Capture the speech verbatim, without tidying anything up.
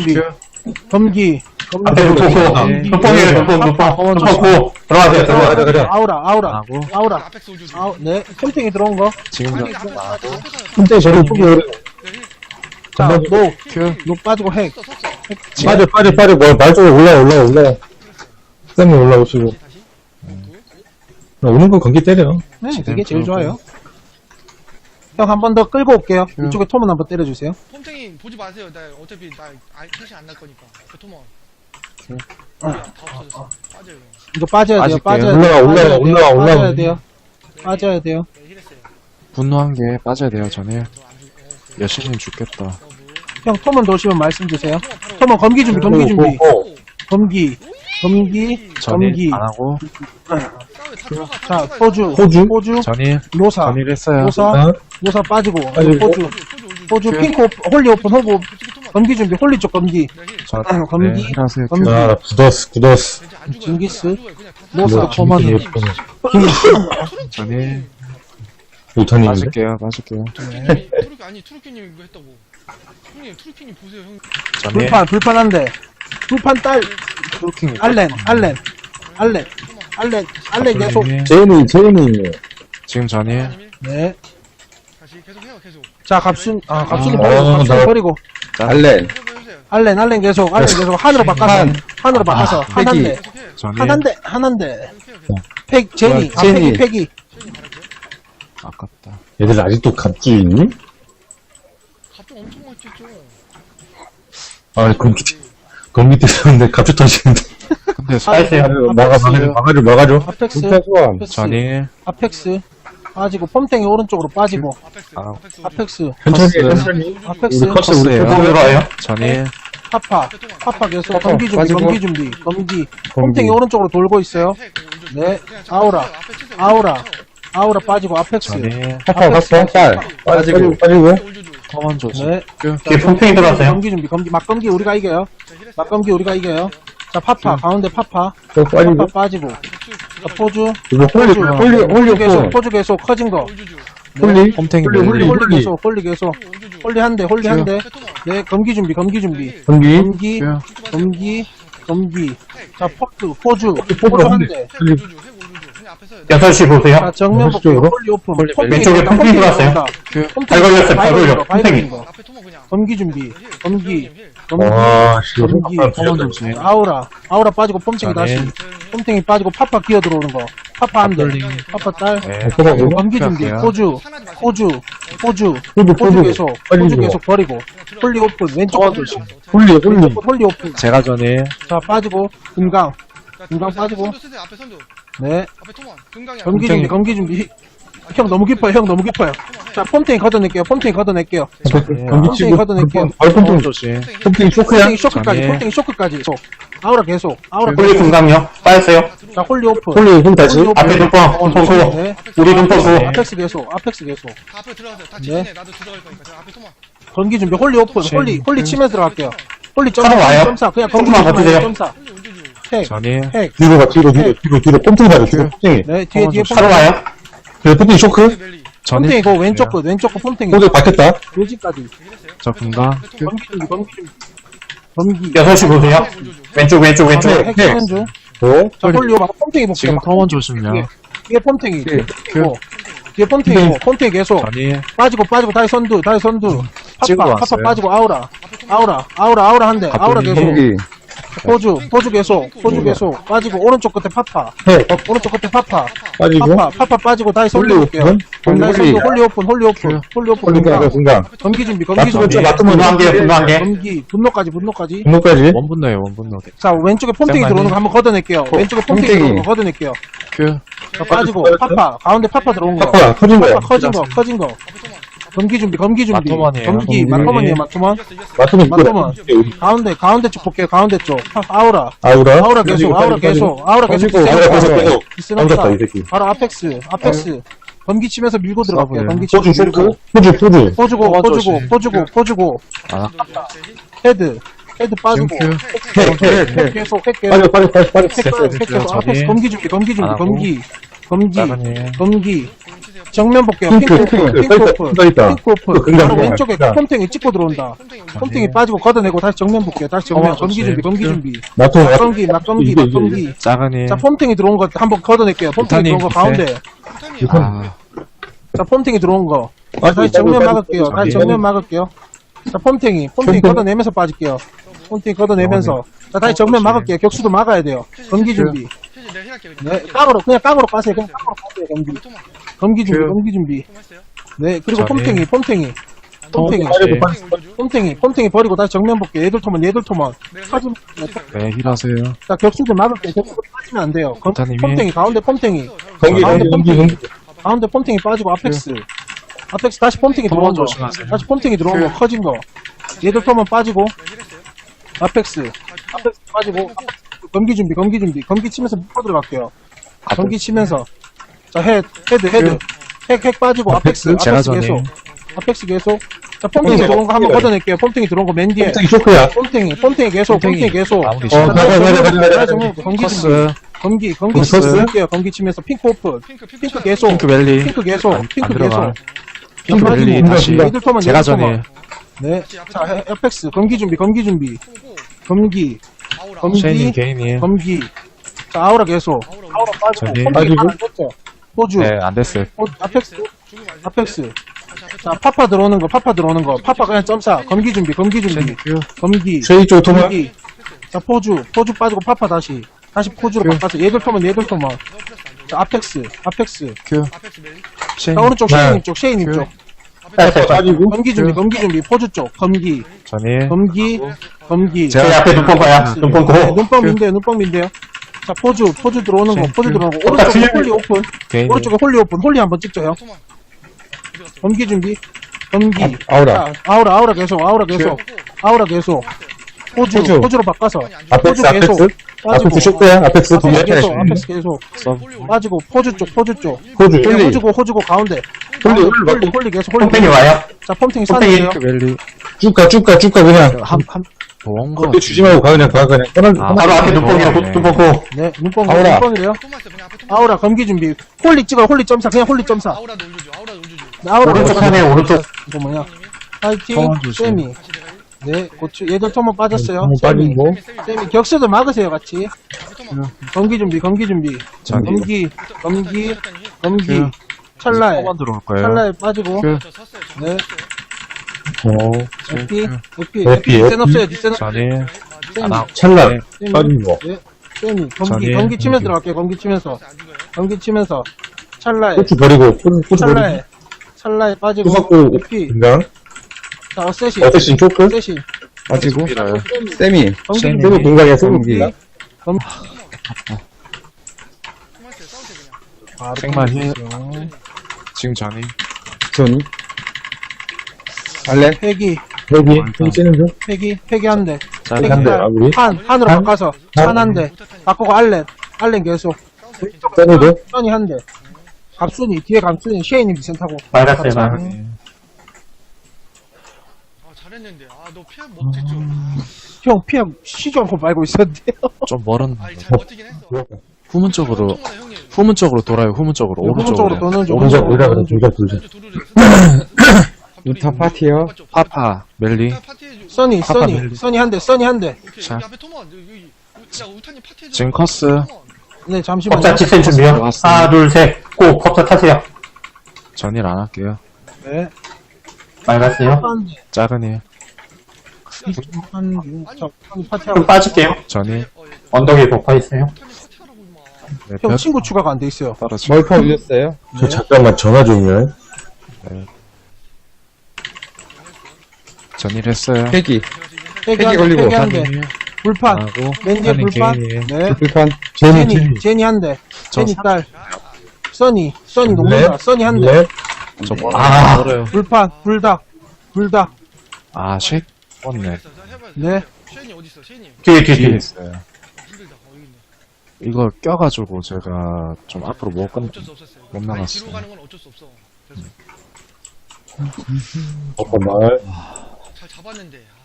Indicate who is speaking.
Speaker 1: 준비. 검기.
Speaker 2: 앞에 좀 보고, 흠뻑이에요, 흠뻑, 흠뻑. 흠뻑고, 들어가세요, 들어가세요.
Speaker 3: 가자, 가자.
Speaker 1: 아우라, 아우라.
Speaker 4: 하고
Speaker 1: 아우라.
Speaker 5: 아펙스 오주주.
Speaker 1: 아우, 네. 컴탱이 들어온 거.
Speaker 4: 지금 전
Speaker 3: 근데 저를 포기 어려
Speaker 1: 자,
Speaker 3: 잠깐만요.
Speaker 1: 노.
Speaker 4: 큐
Speaker 1: 노 빠지고 핵.
Speaker 5: 섰어, 섰어.
Speaker 3: 빠져, 빠져, 빠져. 뭐, 말 쪽에 올라와, 올라와, 올라와. 쌤이 올라오시고.
Speaker 5: 다시.
Speaker 3: 오는 거 건기 때려.
Speaker 1: 네, 그게 제일 좋아요. 형, 한 번 더 끌고 올게요. 이쪽에 톰은 한번 때려주세요.
Speaker 5: 폼탱이 보지 마세요. 나 어차피 나 아, 캐시 안 날 거니까. 교토먼.
Speaker 1: 아,
Speaker 5: 다 없어졌어. 빠져요.
Speaker 1: 이거 빠져야 돼요,
Speaker 4: 빠질게요.
Speaker 1: 빠져야 돼요.
Speaker 3: 올라가,
Speaker 1: 빠져야
Speaker 3: 올라가,
Speaker 1: 돼요.
Speaker 3: 올라가, 올라가.
Speaker 1: 빠져야 돼요. 빠져야 돼요.
Speaker 5: 네, 힐했어요.
Speaker 4: 분노한 게 빠져야 돼요. 전에
Speaker 5: 저안 죽. 어,
Speaker 4: 여신님 죽겠다.
Speaker 5: 더블.
Speaker 1: 형, 톰은 도시면 말씀 주세요. 톰은 검기 준비, 검기 준비.
Speaker 3: 고, 고, 고.
Speaker 1: 검기, 검기,
Speaker 4: 전일
Speaker 1: 검기.
Speaker 4: 안 하고
Speaker 1: 자, 포주,
Speaker 3: 호주.
Speaker 1: 포주,
Speaker 4: 전일
Speaker 1: 노사,
Speaker 4: 전일 했어요.
Speaker 1: 노사,
Speaker 3: 아,
Speaker 1: 노사 빠지고,
Speaker 3: 빠지고.
Speaker 1: 포주, 포주, 핑크 오픈, 홀리 오픈, 호구, 검기 준비, 홀리 쪽 검기,
Speaker 4: 전
Speaker 1: 검기,
Speaker 4: 네, 힐하세요.
Speaker 1: 검기.
Speaker 3: 아, 굳었어, 굳었어.
Speaker 1: 징기스,
Speaker 3: 노사,
Speaker 1: 노사,
Speaker 3: 초만
Speaker 4: 초만이.
Speaker 3: 예쁘네.
Speaker 4: 전일
Speaker 3: 오타님인데?
Speaker 4: 맞을게요. 맞을게요.
Speaker 5: 투르키 아니 투르키님 이거 했다고. 형님 투르키님 보세요 형.
Speaker 4: 전일
Speaker 1: 불판, 불판 한 대, 불판 딸,
Speaker 4: 트루킹
Speaker 1: 알렌, 알렌, 알렌, 알렌, 알렌 계속.
Speaker 4: 전일
Speaker 3: 제인이, 제인이.
Speaker 4: 지금 전일
Speaker 1: 네.
Speaker 5: 다시 계속 해요 계속.
Speaker 1: 자, 갑순, 아, 갑순이
Speaker 4: 아,
Speaker 1: 버리고,
Speaker 3: 어,
Speaker 1: 갑순이
Speaker 3: 나-
Speaker 1: 버리고.
Speaker 3: 알렌.
Speaker 5: 계속 해주세요.
Speaker 1: 알렌, 알렌 계속, 알렌 계속, 한으로 바꿔서,
Speaker 3: 한.
Speaker 1: 한으로 바꿔서,
Speaker 3: 아,
Speaker 1: 한 한
Speaker 3: 패기.
Speaker 1: 대,
Speaker 5: 계속 해.
Speaker 4: 전일
Speaker 1: 한 한 대, 한 한 대.
Speaker 5: 계속 해요 계속.
Speaker 1: 팩, 제니, 아,
Speaker 3: 제니.
Speaker 1: 패기, 패기.
Speaker 5: 쉐이님 바랄게요.
Speaker 4: 아깝다.
Speaker 3: 얘들 아직도 갑주 있니?
Speaker 5: 갑자기 엄청 많이 튀었죠.
Speaker 3: 아, 건기, 건기 때렸는데 갑주 터지는데.
Speaker 4: 근데 소-
Speaker 2: 나이스.
Speaker 3: 막아, 막아줘, 막아줘, 막아줘.
Speaker 1: 아펙스,
Speaker 3: 소환.
Speaker 1: 아펙스,
Speaker 4: 전일
Speaker 1: 아펙스, 빠지고, 펌탱이 오른쪽으로 빠지고,
Speaker 5: 아펙스
Speaker 4: 아,
Speaker 5: 아펙스 오주주.
Speaker 1: 아펙스,
Speaker 3: 천천히,
Speaker 4: 컸어요.
Speaker 3: 천천히.
Speaker 1: 아펙스,
Speaker 3: 우리 컵스 우리
Speaker 4: 컸어요.
Speaker 3: 컵스.
Speaker 2: 들어가요?
Speaker 4: 전일
Speaker 1: 파파, 파파 계속,
Speaker 3: 파파,
Speaker 1: 검기 준비,
Speaker 3: 빠지고.
Speaker 1: 검기 준비, 검기,
Speaker 3: 검기.
Speaker 1: 펌탱이 오른쪽으로 돌고 있어요.
Speaker 5: 핵, 오주주.
Speaker 1: 네,
Speaker 5: 그냥
Speaker 1: 아우라,
Speaker 5: 앞에 치세요.
Speaker 1: 아우라.
Speaker 5: 앞에 치세요.
Speaker 1: 아우라 빠지고, 아펙스,
Speaker 4: 전일
Speaker 3: 파파, 파파, 쌀. 빠지고, 빠지고.
Speaker 5: 오주주.
Speaker 4: 터먼 조심.
Speaker 1: 네,
Speaker 4: 큐
Speaker 2: 뒤에 폼탱이 들어왔어요.
Speaker 1: 검기 준비, 검기, 막검기 우리가 이겨요.
Speaker 5: 자, 힐했어요.
Speaker 1: 막검기 우리가 이겨요. 자, 파파, 가운데 파파,
Speaker 3: 또 빠지고.
Speaker 1: 파파 빠지고, 자, 포주,
Speaker 3: 이거 홀리,
Speaker 1: 포주,
Speaker 3: 홀리, 홀리
Speaker 1: 포주 계속,
Speaker 3: 없어.
Speaker 1: 포주 계속 커진 거.
Speaker 5: 오주주.
Speaker 3: 홀리.
Speaker 4: 홈탱이
Speaker 3: 홀리,
Speaker 4: 홀리,
Speaker 3: 홀리,
Speaker 1: 홀리
Speaker 3: 홀리.
Speaker 1: 계속, 홀리 계속,
Speaker 5: 오주주.
Speaker 1: 홀리 한 대, 홀리 한 대.
Speaker 5: 페토먼.
Speaker 1: 네, 검기 준비, 검기 준비.
Speaker 3: 건기.
Speaker 1: 검기,
Speaker 4: 큐
Speaker 1: 검기, 검기.
Speaker 5: 핵,
Speaker 1: 자,
Speaker 5: 핵,
Speaker 1: 포트, 포주,
Speaker 3: 포주
Speaker 1: 포주 한
Speaker 3: 한
Speaker 1: 대.
Speaker 5: 핵
Speaker 3: 홀리.
Speaker 5: 오주주. 핵 오주주. 그냥 앞에 서요.
Speaker 2: 여섯 시 보세요.
Speaker 1: 자, 정면
Speaker 3: 여섯
Speaker 1: 볼게요.
Speaker 3: 쪽으로?
Speaker 1: 홀리 오픈.
Speaker 4: 홀리
Speaker 1: 폼탱이
Speaker 2: 왼쪽에
Speaker 1: 온다,
Speaker 2: 폼탱이
Speaker 1: 폼탱이
Speaker 2: 들어왔어요.
Speaker 1: 온다.
Speaker 4: 큐
Speaker 1: 폼탱이
Speaker 2: 발 걸렸어요, 발
Speaker 1: 걸린
Speaker 2: 걸려.
Speaker 1: 거, 발
Speaker 2: 폼탱이.
Speaker 1: 걸린 거.
Speaker 5: 앞에 토모 그냥.
Speaker 1: 검기 준비,
Speaker 5: 힐.
Speaker 1: 검기,
Speaker 5: 힐. 힐.
Speaker 1: 검기,
Speaker 3: 와, 씨.
Speaker 1: 검기.
Speaker 4: 터먼 조심.
Speaker 1: 아우라, 아우라 빠지고 폼탱이 다시.
Speaker 4: 전일
Speaker 1: 폼탱이 빠지고 파파 기어 들어오는 거. 파파 한 대.
Speaker 4: 앞돌림.
Speaker 1: 파파 딸.
Speaker 4: 네.
Speaker 3: 파파
Speaker 1: 그리고 검기 준비,
Speaker 4: 할게요.
Speaker 1: 호주,
Speaker 5: 산하지 마세요.
Speaker 1: 호주, 호주,
Speaker 3: 호주,
Speaker 1: 호주
Speaker 3: 호주.
Speaker 1: 계속,
Speaker 3: 빠지고.
Speaker 1: 호주 계속 버리고. 홀리 오픈, 왼쪽
Speaker 4: 터먼
Speaker 1: 오픈.
Speaker 4: 조심.
Speaker 3: 홀리, 홀리.
Speaker 1: 왼쪽 홀리 오픈.
Speaker 4: 제가 전일
Speaker 1: 자, 빠지고, 금강.
Speaker 5: 자,
Speaker 1: 금강
Speaker 5: 앞에
Speaker 1: 빠지고.
Speaker 5: 선두 쓰세요. 앞에 선두.
Speaker 1: 네.
Speaker 5: 앞에 토모. 금강이야.
Speaker 1: 검기 준비, 검기 준비. 형 너무 깊어요, 형 너무 깊어요. 자, 폼탱이 걷어낼게요, 폼탱이 걷어낼게요.
Speaker 3: 건기
Speaker 1: 폼탱이
Speaker 3: 치고.
Speaker 1: 걷어낼게요.
Speaker 3: 바로
Speaker 4: 터먼
Speaker 3: pom탱이.
Speaker 4: 조심.
Speaker 3: pom탱이 쇼크야?
Speaker 1: 폼탱이 쇼크까지,
Speaker 4: 전에.
Speaker 1: 폼탱이 쇼크까지. 계속. 아우라 계속, 아우라
Speaker 2: 홀리
Speaker 1: 계속.
Speaker 2: 금강요. 빠졌어요.
Speaker 1: 자, 홀리 오픈.
Speaker 3: 홀리, 홀리 다시.
Speaker 1: 홀리 오픈.
Speaker 2: 앞에 눈뽕, 눈뽕 고.
Speaker 1: 네.
Speaker 2: 우리 눈뽕 고.
Speaker 1: 아펙스 계속, 아펙스 계속.
Speaker 5: 다 앞에 들어가세요. 다
Speaker 1: 네.
Speaker 5: 직진해. 나도 들어갈 거니까. 자, 앞에 토모.
Speaker 1: 검기 준비, 홀리 오픈,
Speaker 4: 쉐이.
Speaker 1: 홀리, 홀리 치면서 들어갈게요. 홀리 점사,
Speaker 2: 하나 와요?
Speaker 1: 점사, 그냥 검기
Speaker 2: 조금만
Speaker 1: 준비,
Speaker 2: 버티세요.
Speaker 1: 점사.
Speaker 5: 홀리 오주주.
Speaker 1: 핵,
Speaker 4: 전일
Speaker 1: 핵.
Speaker 3: 뒤로 가, 뒤로, 뒤로, 뒤로, 뒤로. pom탱이 받아, 뒤로, pom탱이.
Speaker 1: 네, 뒤에, 뒤에
Speaker 2: 바로
Speaker 1: 폼탱이.
Speaker 2: 와요.
Speaker 3: 그래, pom탱이 쇼크?
Speaker 5: 멜리.
Speaker 4: 전일
Speaker 1: 폼탱이 그 왼쪽 끝, 왼쪽 끝 폼탱이.
Speaker 3: 호주 박혔다.
Speaker 1: 요지까지.
Speaker 5: 힐했어요.
Speaker 4: 저 금강 큐
Speaker 1: 검기 준비, 검기 준비. 검기.
Speaker 2: 여섯 시 보세요.
Speaker 5: 핵 오주주.
Speaker 2: 왼쪽, 왼쪽, 왼쪽.
Speaker 1: 핵, 핵 치는 중.
Speaker 3: 어?
Speaker 1: 자, 홀리 오브, 폼탱이 볼게요.
Speaker 4: 지금 터먼 조심요.
Speaker 1: 뒤에 폼탱이.
Speaker 3: 네.
Speaker 1: 고 뒤에 폼탱이고, 폼탱이 계속.
Speaker 4: 전일
Speaker 1: 빠지고, 빠지고, 다시 선두, 다시 선두.
Speaker 4: 찍고
Speaker 1: 파파, 파파
Speaker 4: 왔어요.
Speaker 1: 빠지고, 아우라. 아우라, 아우라, 아우라 한 대. 아우라
Speaker 4: 갑돌림.
Speaker 1: 계속.
Speaker 3: 건기.
Speaker 1: 포주, 포주 계속, 포주 계속. 빠지고, 오른쪽 끝에 파파.
Speaker 3: 해.
Speaker 1: 어, 오른쪽 끝에 파파.
Speaker 3: 빠지고.
Speaker 1: 파파, 파파 빠지고, 다시 선두
Speaker 3: 홀리
Speaker 1: 볼게요.
Speaker 3: 오픈.
Speaker 1: 다시
Speaker 3: 홀리.
Speaker 1: 선두, 홀리 오픈, 홀리 오픈. 홀리 오픈.
Speaker 3: 홀리 가자,
Speaker 1: 금강.
Speaker 3: 순간.
Speaker 1: 검기 준비, 검기
Speaker 3: 맞으면
Speaker 1: 준비.
Speaker 3: 좀, 맞으면
Speaker 2: 분노한 개, 분노한 개.
Speaker 1: 검기, 분노까지, 분노까지.
Speaker 3: 분노까지.
Speaker 4: 원분노예요 원분노.
Speaker 1: 자, 왼쪽에 폼탱이
Speaker 4: 잠깐만요.
Speaker 1: 들어오는 거 한번 걷어낼게요. 왼쪽에 폼탱이
Speaker 3: 폼탱이.
Speaker 1: 들어오는 거 걷어낼게요.
Speaker 4: 큐
Speaker 1: 자, 빠지고,
Speaker 3: 빠졌어?
Speaker 1: 파파. 가운데 파파 들어온 거.
Speaker 3: 파파, 터진 거야.
Speaker 1: 파파 커진 거, 커진 거.
Speaker 5: 앞에 토모.
Speaker 1: 검기 준비, 검기 준비.
Speaker 4: 마토만이에요.
Speaker 1: 검기,
Speaker 3: 검기.
Speaker 1: 마토만이에요, 마토만.
Speaker 5: 이겼어, 이겼어.
Speaker 3: 맞으면
Speaker 1: 맞더만.
Speaker 3: 이거.
Speaker 1: 가운데, 가운데 쪽 볼게요, 가운데 쪽. 파- 아우라.
Speaker 3: 아우라.
Speaker 1: 아우라 계속, 아우라 계속, 아우라 계속.
Speaker 3: 빠지고, 아우라 계속,
Speaker 1: 기스
Speaker 3: 계속.
Speaker 1: 기스
Speaker 3: 남겼다,
Speaker 1: 넘사.
Speaker 3: 이 새끼.
Speaker 1: 바로 아펙스, 아펙스. 검기 치면서 밀고 들어갈게요,
Speaker 4: 서브예요.
Speaker 1: 검기
Speaker 3: 호주
Speaker 1: 치면서
Speaker 3: 쇼크.
Speaker 1: 밀고.
Speaker 3: 호주, 호주.
Speaker 1: 포주고,
Speaker 4: 포주
Speaker 1: 포주고,
Speaker 4: 조심.
Speaker 1: 포주고, 포주고.
Speaker 4: 아
Speaker 1: 헤드, 헤드 빠지고.
Speaker 4: 큐
Speaker 3: 해, 해, 해.
Speaker 1: 계속, 핵 계속.
Speaker 3: 빠져, 빠져, 빠져, 빠져.
Speaker 1: 핵 계속, 핵 계속.
Speaker 4: 저기.
Speaker 1: 아펙스 검기 준비, 검기 준비,
Speaker 4: 안 하고.
Speaker 1: 검기. 검기,
Speaker 4: 짜가니
Speaker 1: 검기.
Speaker 5: 공 치세요.
Speaker 1: 정면 볼게요.
Speaker 3: 핑크,
Speaker 1: 핑크 오픈,
Speaker 3: 핑크,
Speaker 1: 핑크
Speaker 3: 써있다,
Speaker 1: 오픈,
Speaker 3: 써있다.
Speaker 1: 핑크 오픈.
Speaker 3: 그 근접
Speaker 1: 바로
Speaker 3: 그냥,
Speaker 1: 왼쪽에
Speaker 3: 그냥.
Speaker 1: 폼탱이 찍고 들어온다.
Speaker 5: 홈탱이
Speaker 1: 폼탱이 빠지고 걷어내고 다시 정면 볼게요. 다시 정면.
Speaker 4: 어,
Speaker 1: 검기 준비, 검기 준비.
Speaker 3: 나통,
Speaker 1: 막검기, 막검기,
Speaker 3: 이게, 이게,
Speaker 1: 막검기.
Speaker 4: 작은이.
Speaker 1: 자, 폼탱이 들어온 거 한번 걷어낼게요. 폼탱이
Speaker 4: 부탄이
Speaker 1: 들어온 거 가운데.
Speaker 5: 홈탱이
Speaker 4: 아,
Speaker 1: 자, 폼탱이 들어온 거.
Speaker 3: 아,
Speaker 1: 다시 정면 막을게요. 다시
Speaker 4: 저기.
Speaker 1: 정면 막을게요. 자, 폼탱이. 폼탱이
Speaker 3: 폼탱이.
Speaker 1: 걷어내면서 빠질게요. 폼탱이 걷어내면서. 자, 다시 정면 막을게요. 격수도 막아야 돼요. 검기 준비.
Speaker 5: 혜지 내가 힐할게 그냥.
Speaker 1: 네, 깡으로, 그냥 깡으로 까세요. 그냥 깡으로 까세요. 검기.
Speaker 5: 앞에 토마.
Speaker 1: 검기 준비,
Speaker 4: 그-
Speaker 1: 검기 준비.
Speaker 5: 토마 했어요?
Speaker 1: 네, 그리고
Speaker 4: 저기.
Speaker 1: 폼탱이, 폼탱이. 폼탱이.
Speaker 4: 네.
Speaker 5: 홈탱이 올려줘.
Speaker 1: 폼탱이, 폼탱이 버리고 다시 정면 볼게요. 얘들 토만, 얘들 토만.
Speaker 5: 내가
Speaker 1: 빠지,
Speaker 4: 네, 힐하세요.
Speaker 1: 자, 격수도 막을게요. 격수도 빠지면 안 돼요. 검-
Speaker 4: 부탄님이.
Speaker 1: 폼탱이, 가운데 폼탱이.
Speaker 3: 경기,
Speaker 1: 가운데
Speaker 3: 경기, 경기, 경기.
Speaker 1: 가운데 폼탱이 빠지고 아펙스. 아펙스 다시 폼탱이 들어온 거.
Speaker 4: 조심하세요.
Speaker 1: 다시 폼탱이 들어온 거, 커진 거. 얘들 토만 빠지고,
Speaker 5: 힐했어요?
Speaker 1: 아펙스. 아펙스 빠지고, 검기 준비, 검기 준비. 검기 치면서 묶어 들어갈게요. 검기 치면서. 자, 헤드, 헤드, 헤드. 핵, 핵 빠지고, 아펙스.
Speaker 4: 제가
Speaker 1: 아펙스
Speaker 4: 전에.
Speaker 1: 계속. 아펙스 계속. 자, 폼탱이 들어온 거 한번 걷어낼게요. 폼탱이 들어온 거 맨 뒤에.
Speaker 3: 깜짝이 쇼크야.
Speaker 1: 폼탱이, 폼탱이 계속, 폼탱이 계속.
Speaker 4: 마무리
Speaker 3: 어,
Speaker 4: 시작.
Speaker 3: 가자, 가자, 가자, 가자, 가자.
Speaker 1: 검기
Speaker 4: 커스.
Speaker 1: 준비. 검기, 검기
Speaker 3: 커스.
Speaker 1: 치면서 볼게요. 검기 치면서 핑크 오픈.
Speaker 5: 핑크 핑크
Speaker 1: 핑크
Speaker 5: 쳐요.
Speaker 1: 계속.
Speaker 4: 핑크 벨리.
Speaker 1: 핑크 계속.
Speaker 4: 안
Speaker 1: 핑크
Speaker 4: 들어가.
Speaker 1: 계속.
Speaker 4: 핑크
Speaker 1: 빠지고.
Speaker 4: 벨리 다시.
Speaker 1: 얘들 토만,
Speaker 4: 제가
Speaker 1: 얘들 토만.
Speaker 4: 전에.
Speaker 1: 네. 자, 에- 에펙스. 검기 준비, 검기 준비.
Speaker 5: 토고
Speaker 1: 검기,
Speaker 5: 아우라.
Speaker 1: 검기.
Speaker 4: 쉐인이 개인이.
Speaker 1: 검기. 자, 아우라 계속.
Speaker 5: 아우라.
Speaker 1: 아우라 빠지고.
Speaker 4: 저기.
Speaker 1: 폼탱이
Speaker 3: 빠지고.
Speaker 1: 안 됐죠? 호주.
Speaker 4: 네, 안 됐어요.
Speaker 1: 호- 아펙스.
Speaker 5: 죽으면 안 돼.
Speaker 1: 아펙스.
Speaker 5: 다시 앞에
Speaker 1: 자, 파파 들어오는 거, 파파 들어오는 거. 파파 그냥 점사. 검기 준비, 검기 준비.
Speaker 4: 쉐인 큐.
Speaker 1: 검기.
Speaker 3: 쉐이 쪽 토마.
Speaker 1: 검기. 자, 포주. 포주 빠지고 파파 다시. 다시 포주로 바꿔서 얘들 토만, 얘들 토만.
Speaker 5: 너 플러스 안 돼.
Speaker 1: 자, 아펙스. 아펙스.
Speaker 4: 큐.
Speaker 5: 아펙스 메인.
Speaker 4: 쉐인.
Speaker 1: 자, 오른쪽
Speaker 3: 네.
Speaker 1: 쉐이님 쪽, 쉐이님
Speaker 4: 그-
Speaker 1: 쪽.
Speaker 5: 아펙스
Speaker 3: 빠지고.
Speaker 1: 검기 준비, 검기 준비. 포주 쪽. 검기.
Speaker 4: 전이.
Speaker 1: 검기. 검기.
Speaker 4: 제가
Speaker 2: 제 앞에 눈뽕 거야. 눈뽕 고.
Speaker 1: 네, 눈뽕인데요, 눈뽕인데요. 자, 포주, 포주 들어오는 거,
Speaker 4: 쉐인
Speaker 1: 포주
Speaker 4: 큐.
Speaker 1: 들어오는 거. 오른쪽에 홀리 오픈.
Speaker 4: 개인이.
Speaker 1: 오른쪽에 홀리 오픈. 홀리 한번 찍죠요.
Speaker 5: 토마. 어디 갔어?
Speaker 1: 검기 준비. 검기.
Speaker 3: 아, 아우라.
Speaker 1: 자, 아우라, 아우라 계속, 아우라 계속. 아우라 계속. 포주,
Speaker 3: 포주.
Speaker 1: 포주로 바꿔서.
Speaker 3: 아펙스,
Speaker 1: 포주 계속.
Speaker 3: 아펙스. 아펙스 쇼크야. 아펙스 뒤에.
Speaker 1: 아펙스 계속, 아펙스 계속.
Speaker 4: 서-
Speaker 1: 빠지고, 포주 쪽, 포주 쪽.
Speaker 3: 호주.
Speaker 1: 네,
Speaker 3: 홀리.
Speaker 1: 호주고, 호주고, 가운데.
Speaker 3: 홀리,
Speaker 1: 가운데,
Speaker 3: 홀리
Speaker 1: 홀리, 홀리 계속, 홀리.
Speaker 2: 홈탱이 와요.
Speaker 1: 자, 폼탱이
Speaker 2: 폼탱이.
Speaker 1: 사는데요.
Speaker 4: 핑크 벨리.
Speaker 3: 쭉 가, 쭉 가, 쭉 가, 그냥.
Speaker 4: 한, 한, 더운 거.
Speaker 3: 그때 주지 말고 가, 그냥 가, 그냥. 떠나,
Speaker 4: 아,
Speaker 3: 떠나.
Speaker 2: 바로 앞에 눈뽕이야.
Speaker 4: 네.
Speaker 2: 눈뽕 고.
Speaker 1: 네, 눈뽕,
Speaker 3: 아우라.
Speaker 1: 눈뽕이래요.
Speaker 5: 토마 있어. 그냥 앞에 토마.
Speaker 1: 아우라, 검기 준비. 홀리 찍어, 홀리 점사. 그냥 홀리 점사.
Speaker 5: 아우라도 올려줘. 아우라도 올려줘.
Speaker 1: 네, 아우라.
Speaker 2: 오른쪽
Speaker 1: 계속.
Speaker 2: 하네, 오른쪽.
Speaker 1: 이거 뭐냐.
Speaker 5: 형님이.
Speaker 1: 파이팅,
Speaker 4: 성원 조심.
Speaker 1: 세미.
Speaker 5: 다시 내가 일.
Speaker 1: 네, 고추. 얘들 토모 빠졌어요.
Speaker 3: 한번
Speaker 1: 세미.
Speaker 3: 빠지고.
Speaker 1: 세미, 격수도 막으세요, 같이.
Speaker 5: 앞에 토마.
Speaker 1: 검기 준비, 검기 준비.
Speaker 4: 전이.
Speaker 1: 검기, 검기,
Speaker 5: 일단 힐.
Speaker 1: 검기.
Speaker 4: 큐.
Speaker 1: 찰나에.
Speaker 4: 처음 들어올 거예요.
Speaker 1: 찰나에 빠지고.
Speaker 4: 큐.
Speaker 5: 저 섰어요. 저
Speaker 1: 네.
Speaker 5: 섰어요.
Speaker 3: 어,
Speaker 1: 에피, 에피,
Speaker 3: 에피,
Speaker 1: 에피. 디센
Speaker 3: 에피.
Speaker 1: 없어요, 디센 없어요.
Speaker 4: 전이.
Speaker 1: 세미,
Speaker 4: 안 하-
Speaker 3: 찰나.
Speaker 4: 네.
Speaker 1: 세미.
Speaker 3: 빠지고.
Speaker 1: 네, 세미. 검기,
Speaker 4: 전이.
Speaker 1: 검기 치면서
Speaker 3: 검기.
Speaker 1: 들어갈게요, 검기 치면서.
Speaker 5: 안 죽어요.
Speaker 1: 검기 치면서. 찰나에.
Speaker 3: 고추 버리고, 고추, 고추 버리고.
Speaker 1: 찰나에. 찰나에 빠지고.
Speaker 3: 또 받고,
Speaker 1: 에피.
Speaker 3: 금방.
Speaker 1: 자, 어쌔신.
Speaker 3: 어쌔신 쇼크?
Speaker 1: 어쌔신.
Speaker 3: 빠지고.
Speaker 4: 밀어요.
Speaker 3: 세미.
Speaker 1: 검기
Speaker 4: 세미.
Speaker 1: 준비.
Speaker 3: 세미 공각이야, 세미
Speaker 1: 검기.
Speaker 3: 공각.
Speaker 1: 검기.
Speaker 5: 토마 있어요. 싸우세요 그냥.
Speaker 1: 바로
Speaker 4: 생만 힐.
Speaker 1: 검기.
Speaker 4: 지금 전이.
Speaker 3: 전이. 알레.
Speaker 1: 패기,
Speaker 3: 여기, 여기 찌는 중.
Speaker 1: 패기, 패기 한 대.
Speaker 4: 자,
Speaker 1: 패기
Speaker 3: 한 대,
Speaker 1: 딸.
Speaker 3: 아, 우리?
Speaker 1: 한, 한으로
Speaker 3: 한?
Speaker 1: 바꿔서.
Speaker 3: 한?
Speaker 1: 한 한 대. 바꾸고 알렌. 알렌 계속.
Speaker 5: 싸우세요. 괜찮아.
Speaker 3: 세미도.
Speaker 1: 선이 한 대. 갑순이, 뒤에 갑순이, 쉐이님 비센타고.
Speaker 2: 빨갛어요, 빨갛.
Speaker 5: 아 잘했는데. 아너 피해 먹지 좀.
Speaker 1: 형, 피해, 쉬지 않고 말고 있었는데요.
Speaker 4: 좀 멀었나
Speaker 5: 아니 잘
Speaker 4: 봐요.
Speaker 5: 버티긴 했어.
Speaker 4: 후문 쪽으로,
Speaker 5: 토마다 형님.
Speaker 4: 후문 쪽으로 돌아요, 후문 쪽으로.
Speaker 1: 오른쪽으로
Speaker 4: 오른쪽으로.
Speaker 1: 도는 중.
Speaker 3: 오른쪽, 우리가 그래, 둘다 둘다.
Speaker 5: 인터
Speaker 3: 파티요?
Speaker 4: 파파, 멜리.
Speaker 1: 써니,
Speaker 4: 파파
Speaker 1: 써니,
Speaker 4: 밀리.
Speaker 1: 써니 한 대, 써니 한 대.
Speaker 5: 오케이.
Speaker 4: 자.
Speaker 5: 여기 앞에 토마. 여기 여기. 야 우탄이 파티 해줘.
Speaker 4: 지금 커스.
Speaker 1: 네, 잠시만요.
Speaker 2: 법자 치센 준비요.
Speaker 4: 왔습니다.
Speaker 2: 하나, 둘, 셋. 고. 법자 타세요.
Speaker 4: 전일 안 할게요.
Speaker 1: 네.
Speaker 2: 빨갛어요.
Speaker 1: 한 대,
Speaker 4: 작은 일.
Speaker 1: 한 대. 저, 형이
Speaker 2: 좀
Speaker 1: 파티하고.
Speaker 2: 빠질게요.
Speaker 4: 전일.
Speaker 2: 언덕에 녹화 있어요.
Speaker 5: 우탄이 파티하라고 임마.
Speaker 4: 네,
Speaker 1: 형
Speaker 4: 몇
Speaker 1: 친구 추가가 안 돼 있어요.
Speaker 4: 떨어져.
Speaker 3: 멀파 올렸어요? 저 잠깐만 전화 좀요.
Speaker 4: 전일 했어요.
Speaker 3: 회기.
Speaker 1: 패기
Speaker 3: 패기
Speaker 1: 한 대,
Speaker 3: 걸리고.
Speaker 1: 패기 한 대.
Speaker 4: 전일
Speaker 1: 불판.
Speaker 4: 하고.
Speaker 1: 맨 뒤에
Speaker 4: 하는
Speaker 1: 불판.
Speaker 4: 개인이에요.
Speaker 1: 네.
Speaker 3: 불판.
Speaker 1: 제니, 제니 한 대.
Speaker 4: 저
Speaker 1: 제니 딸. 써니, 써니 녹는다. 써니 한 대.
Speaker 3: 네.
Speaker 4: 저 멀어.
Speaker 2: 아.
Speaker 4: 멀어요.
Speaker 1: 불판, 불닭, 불닭.
Speaker 4: 아, 쉐이크. 뻗네.
Speaker 5: 알겠어. 자, 해봐요.
Speaker 1: 네.
Speaker 5: 쉐인이 어디 있어? 쉐인이.
Speaker 2: 뒤에, 뒤에,
Speaker 4: 뒤에
Speaker 2: 뒤에.
Speaker 4: 있어요.
Speaker 5: 힘들다. 어 여기 있네.
Speaker 4: 이거 껴가지고 제가 좀 앞으로 못 건,
Speaker 5: 어쩔 수 없었어요.
Speaker 4: 못
Speaker 5: 아니,
Speaker 4: 나갔어요.
Speaker 5: 뒤로 가는 건 어쩔 수 없어. 그래서
Speaker 3: 잠깐만.
Speaker 5: 잘 잡았는데.